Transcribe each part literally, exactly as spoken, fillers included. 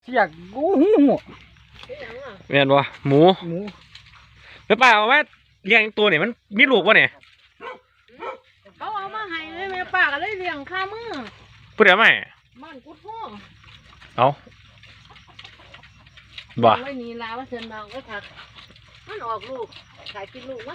สียกกูหูเมียนบ่หมูหมูแล้วป้าเอาไว้เลี้ยงตัวเนี่ยมันมีลูกวะเนี่ยเขาเอามาให้เลยแม่ป้าก็เลยเลี้ยงข้ามือพูดได้ไหมมันกุดห้องเอาบ่ไม่มีลาว่าเชิญมาก็ถักมันออกลูกขายกินลูกมัน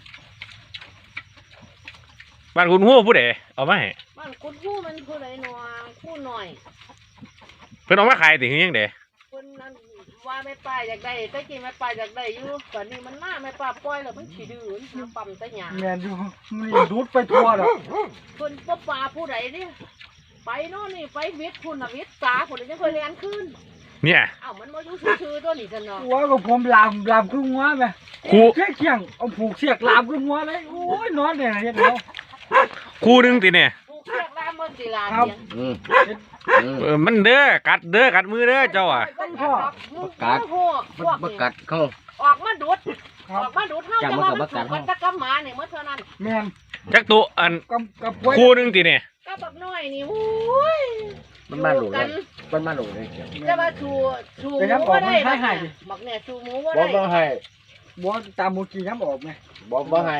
บ้านคุณหู้พูดได้เอามาให้มันกุดหู้มันผู้ใดหนอผู้หน่อยเพิ่นเอามาขายติคือยังไดคนนั้นว่าแม่ป้าอยากได้แต่กินแม่ป้าอยากได้อยู่ตอนนี้มันมาแม่ป้าปล่อยแล้วมันขี้ดื้อมันปั๊มแต่หยาแม่นอยู่มันดูดไปทั่วแล้วคนป้าป้าผู้ใดเนี่ยไปโน่นนี่ไปวิทย์คุณวิทย์สาคนนี้ยังเคยเรียนขึ้นเนี่ยอ้าวมันมาอยู่ชื่อตัวนี้กันเนาะว่าก็ผมลามลามครึ่งหัวไหมครูเชี่ยเชี่ยงเอาผูกเสียกลามครึ่งหัวเลยโอ้ยนอนเนี่ยเห็นแล้วครูนึงติเนี่ยผูกเสียกลามมันสิลาครับเออมันเด้อกัดเด้อกัดมือเด้อเจ้าอ่ะกัดบักกัดเขาออกมาดูดออกมาดูดเท่าจะมามันถูกมันจะกำมาเนี่ยเมื่อเท่านั้นแม่นจักตัวอันครูนึงติเนี่ยก็บักน้อยนี่โอ้ยมันมาหลูเลยมันมาหลูเลยจะมาชูชูหมูว่าได้บักเนี่ยชูหมูว่าได้บ่บ่ให้บ่ตามหมูกี่น้ำออกไงบ่บ่ให้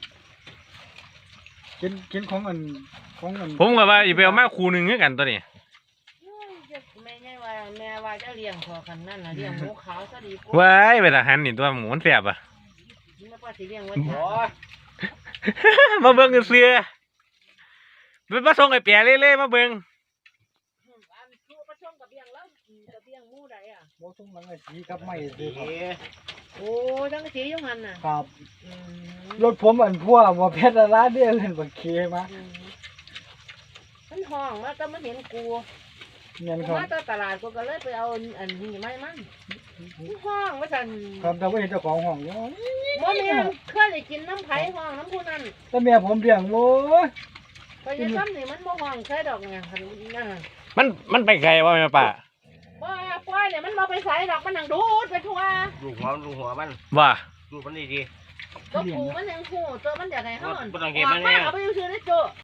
กินกินของอันของอันผมก็ว่าอย่าไปเอามาครูนึงคือกันตัวนี้แม่ใหญ่ว่าแม่ว่าจะเลี้ยงพอกันนั่นน่ะเลี้ยงหมูขาวซะดีกว่าว้ายไปทหารนี่ตัวหมูมันแซ่บอ่ะแม่ป้าสิเลี้ยงไว้มาเบิ่งกันเสือไปมาส่งไอ้แปะเล่ๆมาเบิ่งบ่ส่งหลังไอ้สีครับไม่ซื้อครับโอ้ทั้งสียุ่งหันน่ะครับรถผมอันพัวบ่เพชรร้านเดียวเล่นบักเคมามันห้องมาก็มาเห็นกูเงินครับมาตตลาดกูก็เลยไปเอาอันนี้ไม่มันห้องว่าสั่นครับแต่ว่าเห็นเจ้าของห้องอยู่บ่แม่เคยได้กินน้ำไผ่ห้องน้ำผู้นั้นแต่แม่ผมเลี้ยงโว้ยไปยังซ้ำนี่มันบ่ห้องใช่ดอกเนี่ยนั่นมันมันไปไกลวะแม่ป้าว่าปล่อยเนี่ยมันมาไปใส่ดอกมันนั่งดูดไปทั่วลูกหัวลูกหัวมันว่าลูกมันดีดีก็ผูมันยังผูตัวมันอยากให้ห้องบ่ต้องเก็บมันเนี่ยเอาไปอยู่ชื่อได้โจ